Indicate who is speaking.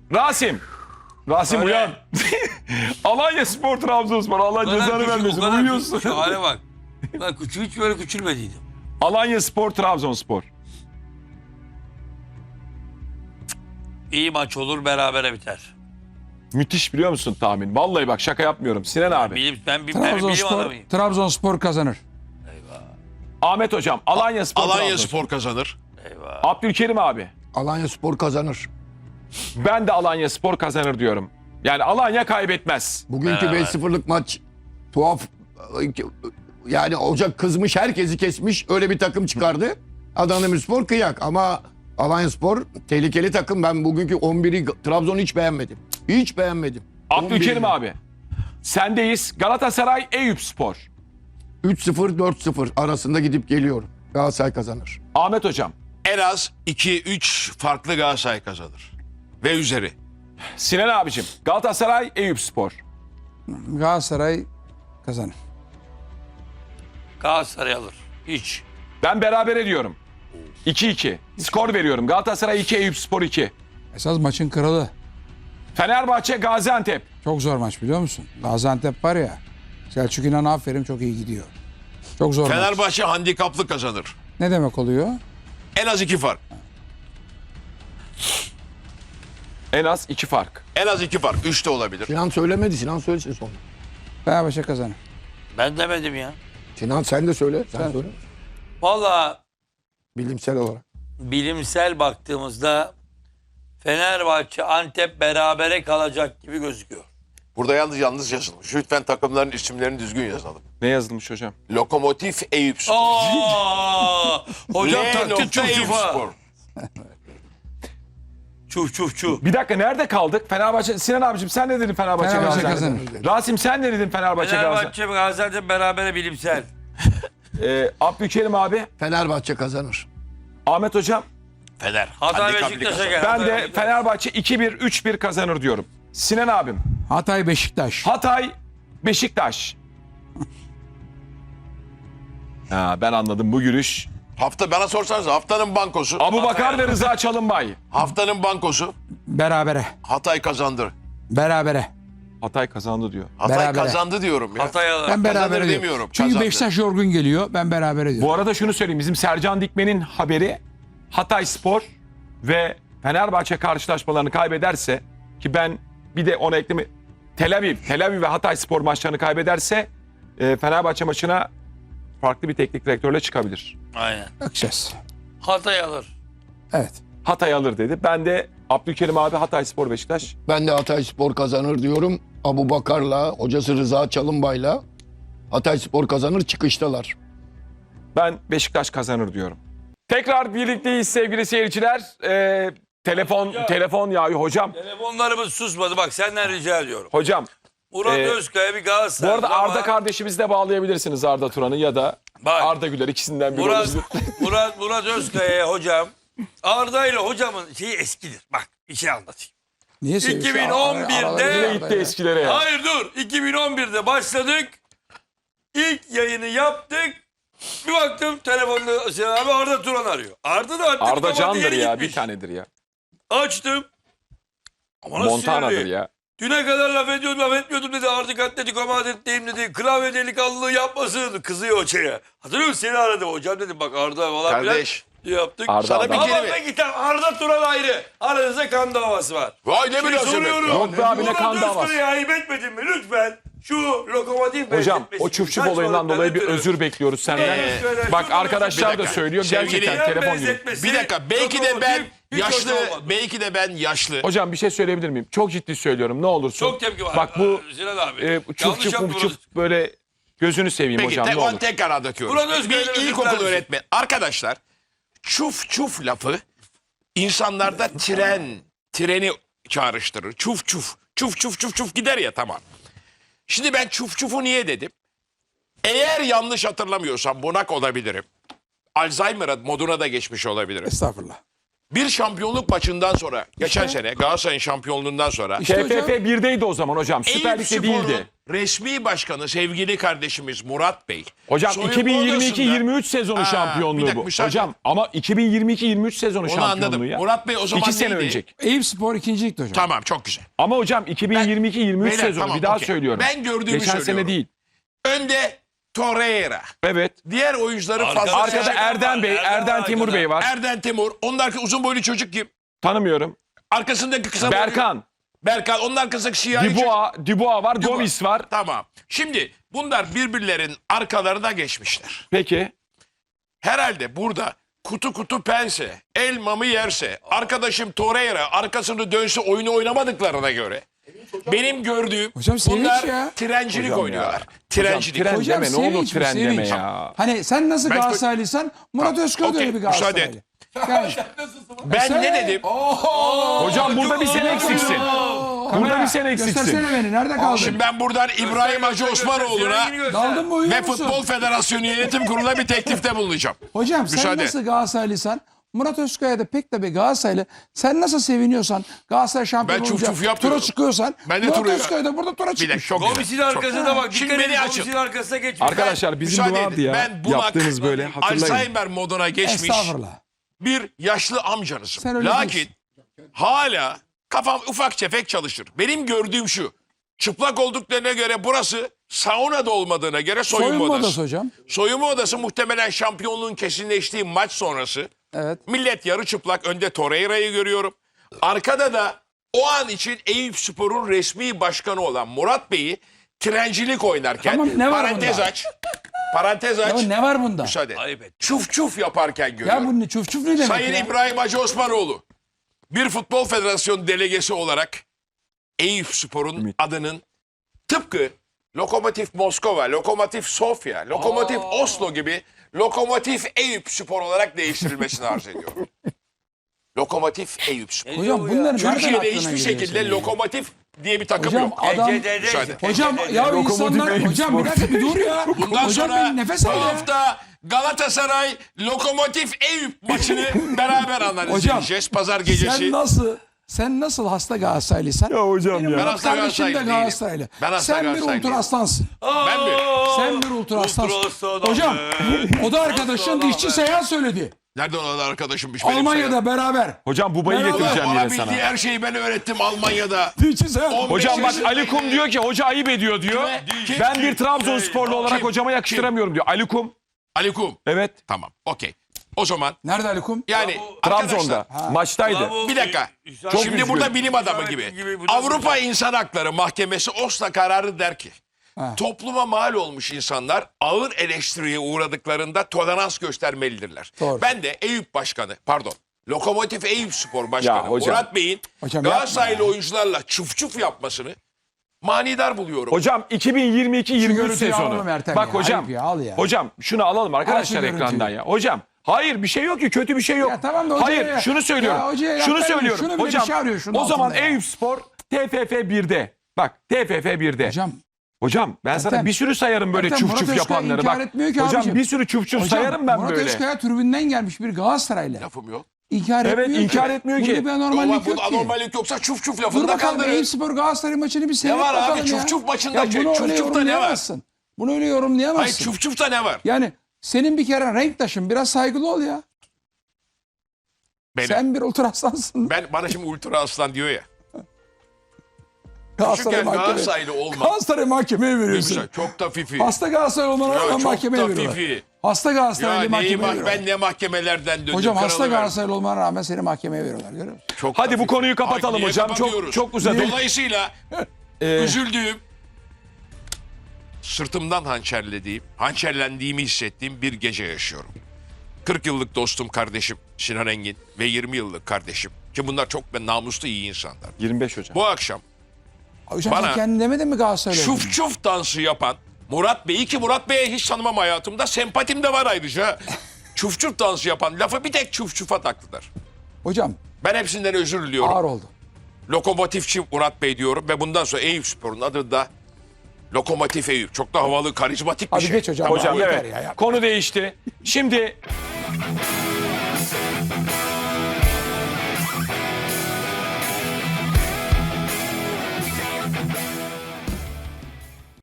Speaker 1: Rasim. Rasim
Speaker 2: Öyle.
Speaker 1: uyan. Alanya Spor Trabzonspor. Allah cezanı vermesin. Uyuyorsun.
Speaker 2: Şu hale bak. Ben hiç böyle küçülmediydim.
Speaker 1: Alanya Spor Trabzonspor.
Speaker 2: İyi maç olur, berabere biter.
Speaker 1: Müthiş biliyor musun tahmin? Vallahi bak şaka yapmıyorum. Sinan abi.
Speaker 2: Ben bilim adamıyım.
Speaker 3: Trabzonspor kazanır.
Speaker 1: Ahmet hocam. Alanya Spor
Speaker 4: Alanya
Speaker 1: Trabzonspor.
Speaker 4: Spor kazanır.
Speaker 2: Eyvah.
Speaker 1: Abdülkerim abi.
Speaker 5: Alanya Spor kazanır.
Speaker 1: Ben de Alanya Spor kazanır diyorum. Yani Alanya kaybetmez.
Speaker 5: Bugünkü
Speaker 2: Beraber.
Speaker 5: 5-0'lık maç tuhaf. Yani Ocak kızmış, herkesi kesmiş. Öyle bir takım çıkardı. Adana Demirspor kıyak ama Alanya Spor tehlikeli takım. Ben bugünkü 11'i Trabzon'u hiç beğenmedim. Hiç beğenmedim.
Speaker 1: Abdülkerim
Speaker 5: 11'i.
Speaker 1: abi. Sendeyiz. Galatasaray Eyüpspor.
Speaker 5: 3-0 4-0 arasında gidip geliyorum. Galatasaray kazanır.
Speaker 1: Ahmet hocam.
Speaker 4: En az 2-3 farklı Galatasaray kazanır. Ve üzeri.
Speaker 1: Sinan abicim. Galatasaray Eyüpspor.
Speaker 3: Galatasaray kazanır.
Speaker 2: Galatasaray alır. Hiç.
Speaker 1: Ben berabere diyorum. 2-2. Skor veriyorum. Galatasaray 2, Eyüpspor 2.
Speaker 3: Esas maçın kralı.
Speaker 1: Fenerbahçe Gaziantep.
Speaker 3: Çok zor maç biliyor musun? Gaziantep var ya. Selçuk İnan aferin çok iyi gidiyor. Çok zor maç.
Speaker 4: Fenerbahçe handikaplı kazanır.
Speaker 3: Ne demek oluyor?
Speaker 4: En az 2 fark.
Speaker 1: En az 2 fark.
Speaker 4: En az 2 fark. 3 de olabilir.
Speaker 5: Sinan söylemedi. Sinan söylesin sonra.
Speaker 3: Fenerbahçe kazanır.
Speaker 2: Ben demedim ya.
Speaker 5: Sinan sen de söyle. Sen söyle.
Speaker 2: Valla
Speaker 5: Bilimsel olarak.
Speaker 2: bilimsel baktığımızda Fenerbahçe Antep berabere kalacak gibi gözüküyor.
Speaker 4: Burada yalnız yazılmış. Lütfen takımların isimlerini düzgün yazalım.
Speaker 1: Ne yazılmış hocam?
Speaker 4: Lokomotif Eyüpspor.
Speaker 2: Aa! Hocam
Speaker 4: L
Speaker 2: taktı
Speaker 4: nokta
Speaker 2: çuf çufa.
Speaker 4: Eyüpspor.
Speaker 2: Çuf çuf çuf.
Speaker 1: Bir dakika nerede kaldık? Fenerbahçe. Sinan abicim sen ne dedin Fenerbahçe
Speaker 3: Fenerbahçe
Speaker 1: Gaziantep?
Speaker 3: kazanır.
Speaker 1: Rasim sen ne dedin Fenerbahçe Gaziantep?
Speaker 2: Fenerbahçe Gaziantep berabere bilimsel.
Speaker 1: Abdülkerim abi.
Speaker 5: Fenerbahçe kazanır.
Speaker 1: Ahmet hocam.
Speaker 4: Fener.
Speaker 2: Hatay
Speaker 4: Handikaplı
Speaker 2: Beşiktaş'a
Speaker 4: kazanır.
Speaker 2: gel.
Speaker 1: Ben
Speaker 2: Hatay
Speaker 1: de
Speaker 2: Beşiktaş.
Speaker 1: Fenerbahçe 2-1, 3-1 kazanır diyorum. Sinan abim.
Speaker 3: Hatay Beşiktaş.
Speaker 1: Hatay Beşiktaş. Ben anladım bu gülüş.
Speaker 4: Bana sorsanız haftanın bankosu.
Speaker 1: Abubakar ve Rıza Çalınbay.
Speaker 4: Haftanın bankosu.
Speaker 3: Berabere.
Speaker 4: Hatay kazandı.
Speaker 3: Berabere.
Speaker 1: Hatay kazandı diyor.
Speaker 4: Hatay
Speaker 3: Berabere.
Speaker 4: kazandı diyorum ya.
Speaker 2: Hatay alır.
Speaker 3: Ben berabere
Speaker 4: Kazanır
Speaker 3: diyorum.
Speaker 4: demiyorum,
Speaker 3: Çünkü
Speaker 4: kazandı.
Speaker 3: Beşiktaş yorgun geliyor. Ben berabere diyorum.
Speaker 1: Bu arada şunu söyleyeyim. Bizim Sercan Dikmen'in haberi Hatay Spor ve Fenerbahçe karşılaşmalarını kaybederse ki ben bir de ona ekleme Tel Aviv ve Hatay Spor maçlarını kaybederse Fenerbahçe maçına farklı bir teknik direktörle çıkabilir.
Speaker 2: Aynen.
Speaker 3: Bakacağız.
Speaker 2: Hatay alır.
Speaker 3: Evet.
Speaker 1: Hatay alır dedi. Ben de Abdülkerim abi Hatay Spor Beşiktaş.
Speaker 5: Ben de Hatay Spor kazanır diyorum. Abubakar'la, hocası Rıza Çalınbay'la Hatay Spor kazanır, çıkıştalar.
Speaker 1: Ben Beşiktaş kazanır diyorum. Tekrar birlikteyiz sevgili seyirciler. Telefon yağıyor hocam.
Speaker 2: Telefonlarımız susmadı. Bak senden rica ediyorum.
Speaker 1: Hocam
Speaker 2: Murat
Speaker 1: Ee,
Speaker 2: Özkaya bir
Speaker 1: bu
Speaker 2: Galatasaray.
Speaker 1: arada Arda kardeşimizi de bağlayabilirsiniz, Arda Turan'ı ya da
Speaker 2: Bak.
Speaker 1: Arda Güler, ikisinden biri
Speaker 2: Murat,
Speaker 1: olabilir.
Speaker 2: Murat Özkaya'ya hocam. Arda ile hocamın şeyi eskidir. Bak bir şey anlatayım.
Speaker 3: Niye
Speaker 2: 2011'de
Speaker 1: Yine gitti eskilere ya.
Speaker 2: Hayır dur. 2011'de başladık. İlk yayını yaptık. Bir baktım telefonda Sinan abi Arda Turan arıyor. Arda da artık
Speaker 1: Arda
Speaker 2: kapadı,
Speaker 1: candır
Speaker 2: yeni
Speaker 1: ya,
Speaker 2: gitmiş.
Speaker 1: bir tanedir ya.
Speaker 2: Açtım. Ama nasıl
Speaker 1: Montana'dır
Speaker 2: sinirli?
Speaker 1: ya.
Speaker 2: Düne kadar laf etmiyordum dedi. Artık Atletico Madrid'deyim dedi. Klavye delikanlılığı yapmasın. Kızıyor hocaya. Hatırlıyor musun? Seni aradım hocam dedim. Bak Arda falan
Speaker 4: Kardeş.
Speaker 2: filan yaptık.
Speaker 1: Arda
Speaker 4: Sana
Speaker 1: adam.
Speaker 4: bir
Speaker 2: Ama
Speaker 4: kelime.
Speaker 2: ben gittim. Arda Turan ayrı. Aranızda kan davası var.
Speaker 4: Vay ne
Speaker 2: Şimdi
Speaker 4: münasebet.
Speaker 2: soruyorum.
Speaker 1: Yok be abi, ne kan
Speaker 2: Murat
Speaker 1: davası?
Speaker 2: Özkaya'ya ayıp etmedin mi? Lütfen şu lokomotif
Speaker 1: Hocam
Speaker 2: benzetmesi
Speaker 1: o
Speaker 2: gibi
Speaker 1: çuf
Speaker 2: saçmalıktan
Speaker 1: olayından dolayı bir
Speaker 2: ötürü.
Speaker 1: özür bekliyoruz senden. Bak
Speaker 2: Şunu
Speaker 1: arkadaşlar
Speaker 4: bir
Speaker 1: da
Speaker 4: dakika.
Speaker 1: söylüyor
Speaker 4: Sevgili
Speaker 1: gerçekten
Speaker 4: yan
Speaker 1: telefon gibi.
Speaker 2: benzetmesi,
Speaker 4: Bir dakika belki de ben
Speaker 2: lokomotif hiç
Speaker 4: yaşlı,
Speaker 2: hoş olmadı.
Speaker 4: belki de ben yaşlı.
Speaker 1: Hocam bir şey söyleyebilir miyim? Çok ciddi söylüyorum, ne olursun.
Speaker 2: Çok tepki var.
Speaker 1: Bak bu
Speaker 2: Sinan abi.
Speaker 1: çuf
Speaker 2: Yanlış
Speaker 1: çuf
Speaker 2: yapıyoruz.
Speaker 1: böyle gözünü seveyim
Speaker 4: Peki
Speaker 1: hocam, ne olur.
Speaker 4: tekrar döküyoruz.
Speaker 2: Murat Özkaya'ya
Speaker 4: Bir
Speaker 2: özür diler
Speaker 4: ilkokul
Speaker 2: misin?
Speaker 4: öğretmeni. Arkadaşlar çuf çuf lafı insanlarda treni çağrıştırır. Çuf çuf. Çuf çuf çuf çuf gider ya, tamam. Şimdi ben çuf çufu niye dedim? Eğer yanlış hatırlamıyorsam bunak olabilirim. Alzheimer moduna da geçmiş olabilirim.
Speaker 3: Estağfurullah.
Speaker 4: bir şampiyonluk maçından sonra, geçen sene Galatasaray'ın şampiyonluğundan sonra
Speaker 3: İşte hocam,
Speaker 1: TFF 1'deydi o zaman hocam. Süper
Speaker 4: Eyüp
Speaker 1: Lig'de
Speaker 4: Spor'un
Speaker 1: değildi.
Speaker 4: resmi başkanı sevgili kardeşimiz Murat Bey.
Speaker 1: Hocam
Speaker 4: soyunma
Speaker 1: 2022-23 sezonu
Speaker 4: Ha, bir
Speaker 1: şampiyonluğu
Speaker 4: dakika,
Speaker 1: bu.
Speaker 4: müsaade.
Speaker 1: Hocam ama 2022-23 sezonu
Speaker 4: Onu
Speaker 1: şampiyonluğu
Speaker 4: anladım.
Speaker 1: ya.
Speaker 4: Murat Bey o zaman
Speaker 1: 2 sene
Speaker 4: neydi?
Speaker 1: önceki.
Speaker 3: Eyüp Spor 2. Lig'de hocam.
Speaker 4: Tamam, çok güzel.
Speaker 1: Ama hocam 2022-23
Speaker 4: Beyler,
Speaker 1: sezonu
Speaker 4: tamam,
Speaker 1: bir daha
Speaker 4: okey.
Speaker 1: söylüyorum.
Speaker 4: Ben gördüğümü
Speaker 1: Geçen
Speaker 4: söylüyorum.
Speaker 1: sene değil.
Speaker 4: Önde Torreira.
Speaker 1: Evet.
Speaker 4: Diğer oyuncuları
Speaker 2: Arkada-
Speaker 4: fazla
Speaker 1: Arkada
Speaker 4: seçenek-
Speaker 1: Erden Bey, Erden Timur
Speaker 2: arkada.
Speaker 1: Bey var.
Speaker 4: Erden Timur. Onun arkasında uzun boylu çocuk kim?
Speaker 1: Tanımıyorum.
Speaker 4: Arkasındaki kısa boylu.
Speaker 1: Berkan,
Speaker 4: Berkan. Onun arkasındaki siyahi çocuk.
Speaker 1: Dubois var,
Speaker 4: Dubois.
Speaker 1: Gomis var.
Speaker 4: Tamam. Şimdi bunlar birbirlerin arkalarına geçmişler.
Speaker 1: Peki.
Speaker 4: Herhalde burada kutu kutu pense, elmamı yerse, arkadaşım Torreira arkasını dönse oyunu oynamadıklarına göre benim gördüğüm
Speaker 3: Hocam sevinç
Speaker 4: bunlar
Speaker 3: ya.
Speaker 4: trencilik
Speaker 1: Hocam
Speaker 4: oynuyorlar.
Speaker 1: ya.
Speaker 4: Trencilik.
Speaker 1: Hocam,
Speaker 3: Hocam
Speaker 1: deme, ne olur
Speaker 3: sevinç bu,
Speaker 1: tren deme
Speaker 3: sevinç.
Speaker 1: ya.
Speaker 3: Hani sen nasıl
Speaker 4: Ben-
Speaker 3: Galatasaraylıysan Murat
Speaker 4: Tamam,
Speaker 3: Özköy de
Speaker 4: okey,
Speaker 3: öyle bir
Speaker 4: müsaade
Speaker 3: Galatasaraylı.
Speaker 4: et.
Speaker 3: Yani,
Speaker 4: Ben
Speaker 3: sen-
Speaker 4: ne dedim?
Speaker 1: Hocam burada bir sene eksiksin. Burada bir sene eksiksin.
Speaker 3: Göstersene beni. Nerede kaldın?
Speaker 4: Şimdi ben buradan İbrahim Hacı Osmanoğlu'na
Speaker 3: Daldın mı, uyuyor
Speaker 4: ve
Speaker 3: musun?
Speaker 4: Futbol Federasyonu Yönetim Kurulu'na bir teklifte bulunacağım.
Speaker 3: Hocam sen
Speaker 4: Müsaade.
Speaker 3: nasıl Galatasaraylıysan Murat Özkaya da pek de bir Galatasaraylı. Sen nasıl seviniyorsan Galatasaray şampiyon
Speaker 4: Ben çuf
Speaker 3: olunca
Speaker 4: çuf yapmıyorum.
Speaker 3: tura çıkıyorsan
Speaker 4: Ben de
Speaker 3: Murat
Speaker 4: tura-
Speaker 3: Özkaya da burada tura
Speaker 4: Bir dakika,
Speaker 3: çıkmış.
Speaker 4: çok güzel.
Speaker 2: Gomis'in arkasına bak.
Speaker 4: Şimdi
Speaker 2: Şimdi
Speaker 4: beni
Speaker 2: beni
Speaker 4: açın.
Speaker 2: Gomis'in arkasına geçmiş.
Speaker 1: Arkadaşlar bizim
Speaker 4: Müsaade
Speaker 1: vardı
Speaker 4: edin.
Speaker 1: ya.
Speaker 4: Ben bunak,
Speaker 1: Yaptığınız böyle hatırlayın.
Speaker 4: Alzheimer moduna geçmiş
Speaker 3: Estağfurullah.
Speaker 4: bir yaşlı amcanızım.
Speaker 3: Sen öyle
Speaker 4: Lakin
Speaker 3: değilsin.
Speaker 4: hala kafam ufak tefek çalışır. Benim gördüğüm şu. Çıplak olduklarına göre burası saunada olmadığına göre soyunma
Speaker 3: Soyunma
Speaker 4: odası.
Speaker 3: odası hocam.
Speaker 4: Soyunma odası muhtemelen şampiyonluğun kesinleştiği maç sonrası.
Speaker 3: Evet.
Speaker 4: Millet yarı çıplak. Önde Torreira'yı görüyorum. Arkada da o an için Eyüp Spor'un resmi başkanı olan Murat Bey'i trencilik oynarken
Speaker 3: Tamam, ne var
Speaker 4: parantez
Speaker 3: bunda?
Speaker 4: aç. Parantez aç.
Speaker 3: Ya ne var bunda?
Speaker 4: Müsaade.
Speaker 2: Ayıp et.
Speaker 4: Çuf çuf yaparken görüyorum.
Speaker 3: Ya bu ne çuf çuf ne demek
Speaker 4: Sayın
Speaker 3: ya?
Speaker 4: İbrahim Hacı Osmanoğlu bir futbol federasyonu delegesi olarak Eyüp Spor'un adının tıpkı Lokomotiv Moskova, Lokomotiv Sofya, Lokomotiv Oslo gibi Lokomotiv Eyüp Spor olarak değiştirilmesini arz ediyorum. Lokomotiv Eyüp Spor.
Speaker 3: Hocam bunların nereden
Speaker 4: Türkiye'de
Speaker 3: aklına
Speaker 4: hiçbir
Speaker 3: geliyor
Speaker 4: şekilde
Speaker 3: senin?
Speaker 4: Lokomotiv diye bir takım
Speaker 3: Hocam
Speaker 4: yok.
Speaker 3: adam...
Speaker 4: Müsaade.
Speaker 3: Hocam ya
Speaker 1: Lokomotiv
Speaker 3: insanlar...
Speaker 1: Eyüp
Speaker 3: Hocam
Speaker 1: Spor.
Speaker 3: bir dakika bir dur ya.
Speaker 4: Bundan
Speaker 3: Hocam
Speaker 4: sonra
Speaker 3: bir nefes
Speaker 4: bu
Speaker 3: al ya.
Speaker 4: hafta Galatasaray Lokomotiv Eyüp maçını beraber analiz
Speaker 3: Hocam,
Speaker 4: edeceğiz. Pazar gecesi.
Speaker 3: Sen nasıl hasta Galatasaraylıysan?
Speaker 1: Ya hocam
Speaker 3: benim
Speaker 1: ya.
Speaker 3: Murat
Speaker 4: Ben hasta
Speaker 3: kardeşim de
Speaker 4: Galatasaraylı
Speaker 3: Galatasaraylı.
Speaker 4: Ben hasta
Speaker 3: Sen bir
Speaker 4: Galatasaraylı
Speaker 3: ultra aslansın.
Speaker 4: Ben mi?
Speaker 3: Sen bir ultra aslansın.
Speaker 2: aslan
Speaker 3: Hocam
Speaker 2: abi.
Speaker 3: o da arkadaşın
Speaker 2: Aslan
Speaker 3: dişçi
Speaker 2: abi.
Speaker 3: Seyhan söyledi.
Speaker 4: Nereden olan arkadaşımmış benim
Speaker 3: Almanya'da beraber.
Speaker 1: Hocam Buba'yı
Speaker 3: Ben
Speaker 1: getireceğim
Speaker 4: Bana
Speaker 1: yine sana.
Speaker 4: bildiği her şeyi ben öğrettim Almanya'da.
Speaker 3: Dişçi Seyhan.
Speaker 4: 15
Speaker 1: Hocam bak Ali
Speaker 4: yaşındaydı.
Speaker 1: Kum diyor ki hoca ayıp ediyor diyor.
Speaker 4: Kim?
Speaker 1: Ben
Speaker 4: Kim?
Speaker 1: bir Trabzonsporlu olarak
Speaker 4: Kim?
Speaker 1: hocama yakıştıramıyorum diyor. Ali Kum.
Speaker 4: Ali Kum.
Speaker 1: Evet.
Speaker 4: Tamam, okey. O zaman
Speaker 3: Nerede Ali Kum?
Speaker 4: yani
Speaker 1: Trabzon'da.
Speaker 4: arkadaşlar,
Speaker 1: Maçtaydı.
Speaker 2: Bravo.
Speaker 4: bir dakika.
Speaker 2: Çok
Speaker 4: Şimdi
Speaker 1: üzgünüm.
Speaker 4: burada bilim adamı
Speaker 2: İşaretin
Speaker 4: gibi.
Speaker 2: gibi bu da
Speaker 4: Avrupa
Speaker 2: güzel.
Speaker 4: İnsan Hakları Mahkemesi Oslo kararı der ki
Speaker 3: Ha.
Speaker 4: topluma mal olmuş insanlar ağır eleştiriye uğradıklarında tolerans göstermelidirler.
Speaker 3: Doğru.
Speaker 4: Ben de Eyüp Başkanı, pardon, Lokomotiv Eyüp Spor Başkanı
Speaker 1: Ya hocam.
Speaker 4: Murat Bey'in
Speaker 3: Hocam
Speaker 4: Galatasaraylı
Speaker 3: yapma ya.
Speaker 4: oyuncularla çuf çuf yapmasını manidar buluyorum.
Speaker 1: Hocam 2022-23
Speaker 3: görüntüyü
Speaker 1: sezonu.
Speaker 3: alalım Ertem
Speaker 1: Bak
Speaker 3: ya,
Speaker 1: hocam.
Speaker 3: ayıp ya, al ya.
Speaker 1: Hocam şunu alalım arkadaşlar
Speaker 3: görüntüyü.
Speaker 1: ekrandan ya. Hocam hayır bir şey yok ki kötü bir şey yok.
Speaker 3: Ya tamam da hocaya
Speaker 1: hayır
Speaker 3: ya-
Speaker 1: şunu söylüyorum.
Speaker 3: ya hocaya
Speaker 1: şunu
Speaker 3: laf vermeyin.
Speaker 1: söylüyorum.
Speaker 3: Şunu bile
Speaker 1: hocam
Speaker 3: bir şey arıyor şunun
Speaker 1: o zaman
Speaker 3: altında ya.
Speaker 1: Eyüp Spor TFF 1'de. Bak TFF 1'de. Hocam ben sana
Speaker 3: Ertem,
Speaker 1: bir sürü sayarım böyle
Speaker 3: Ertem,
Speaker 1: çuf
Speaker 3: Murat
Speaker 1: çuf
Speaker 3: Özkaya
Speaker 1: yapanları.
Speaker 3: inkar
Speaker 1: Bak
Speaker 3: etmiyor ki
Speaker 1: hocam
Speaker 3: abicim.
Speaker 1: bir sürü çuf çuf sayarım ben
Speaker 3: Murat
Speaker 1: böyle.
Speaker 3: Özkaya tribünden gelmiş bir Galatasaraylı.
Speaker 4: Lafım yok.
Speaker 3: İnkar
Speaker 1: Evet,
Speaker 3: etmiyor
Speaker 1: inkar
Speaker 3: ki.
Speaker 1: etmiyor ki.
Speaker 3: Burada bir anormallik
Speaker 4: Ama bu
Speaker 3: yok ki.
Speaker 4: anormallik yoksa çuf çuf
Speaker 3: Dur
Speaker 4: lafında
Speaker 3: bakalım
Speaker 4: kaldırın.
Speaker 3: Eyüp Spor Galatasaray maçını bir seyret
Speaker 4: var abi?
Speaker 3: bakalım ya.
Speaker 4: Çuf çuf maçında
Speaker 3: Ya bunu
Speaker 4: çuf
Speaker 3: öyle
Speaker 4: çufta ne var?
Speaker 3: yorumlayamazsın. Bunu öyle yorumlayamazsın.
Speaker 4: Hayır çuf çufta ne var?
Speaker 3: Yani senin bir kere renktaşın biraz saygılı ol ya.
Speaker 4: Benim.
Speaker 3: Sen bir ultra aslansın.
Speaker 4: Bana şimdi ultra aslan diyor ya.
Speaker 3: Galatasaray
Speaker 4: Küçükken
Speaker 3: mahkemeye.
Speaker 4: Galatasaraylı olmak.
Speaker 3: Galatasaray mahkemeye veriyorsun.
Speaker 4: Güzel, çok da fifi.
Speaker 3: Hasta Galatasaray olmana
Speaker 4: Ya
Speaker 3: rağmen
Speaker 4: çok
Speaker 3: mahkemeye
Speaker 4: da
Speaker 3: veriyorlar.
Speaker 4: fifi.
Speaker 3: Hasta
Speaker 4: Ya
Speaker 3: Galatasaraylı
Speaker 4: neyi
Speaker 3: mahkemeye
Speaker 4: bak
Speaker 3: veriyorlar.
Speaker 4: ben ne mahkemelerden döndüm.
Speaker 3: Hocam hasta
Speaker 4: kralı verdim.
Speaker 3: Galatasaraylı olmana rağmen seni mahkemeye veriyorlar. Görüyor musun?
Speaker 4: Çok da
Speaker 1: Hadi bu
Speaker 4: fifi.
Speaker 1: konuyu kapatalım
Speaker 4: Ay, niye
Speaker 1: hocam.
Speaker 4: kapatıyoruz?
Speaker 1: Çok uzadı.
Speaker 4: Dolayısıyla üzüldüğüm, sırtımdan hançerlendiğimi hissettiğim bir gece yaşıyorum. 40 yıllık dostum kardeşim Sinan Engin ve 20 yıllık kardeşim ki bunlar çok namuslu iyi insanlar.
Speaker 1: 25 hocam.
Speaker 4: Bu akşam
Speaker 3: Hocam
Speaker 4: Bana-
Speaker 3: sen kendin demedin mi Galatasaraylı?
Speaker 4: çuf çuf dansı yapan Murat Bey'i ki Murat Bey'e hiç tanımam hayatımda. Sempatim de var ayrıca. Çuf çuf dansı yapan lafı bir tek çuf çufa taktılar.
Speaker 3: Hocam
Speaker 4: Ben hepsinden özür diliyorum.
Speaker 3: ağır oldu.
Speaker 4: Lokomotifçi Murat Bey diyorum ve bundan sonra Eyüp Spor'un adı da Lokomotif Eyüp. Çok da havalı, karizmatik bir
Speaker 3: Hadi
Speaker 4: şey.
Speaker 3: geç hocam.
Speaker 1: Hocam
Speaker 3: Yeter
Speaker 1: evet.
Speaker 3: ya, yapma.
Speaker 1: Konu değişti. Şimdi